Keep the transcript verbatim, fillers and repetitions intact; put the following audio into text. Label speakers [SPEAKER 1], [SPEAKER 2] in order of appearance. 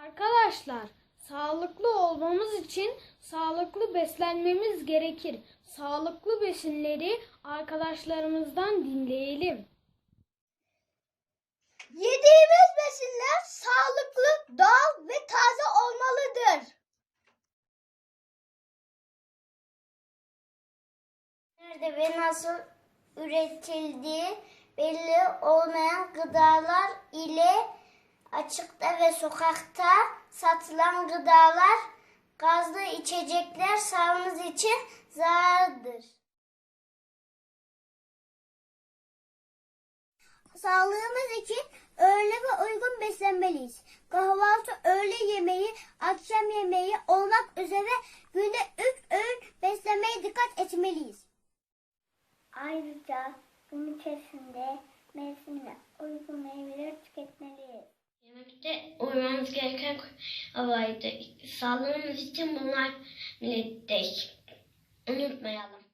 [SPEAKER 1] Arkadaşlar, sağlıklı olmamız için sağlıklı beslenmemiz gerekir. Sağlıklı besinleri arkadaşlarımızdan dinleyelim.
[SPEAKER 2] Yediğimiz besinler sağlıklı, doğal ve taze olmalıdır. Nerede ve nasıl üretildiği belli olmayan gıdalar ile açıkta ve sokakta satılan gıdalar, gazlı içecekler sağlığımız için zararlıdır. Sağlığımız için öğle ve uygun beslenmeliyiz. Kahvaltı, öğle yemeği, akşam yemeği olmak üzere günde üç öğün beslenmeye dikkat etmeliyiz. Ayrıca gün içerisinde mevsimine uygun meyveler tüketmeliyiz.
[SPEAKER 3] Yemekte uymamız gereken kurallardır. Sağlığımız için bunlar millettir. Unutmayalım.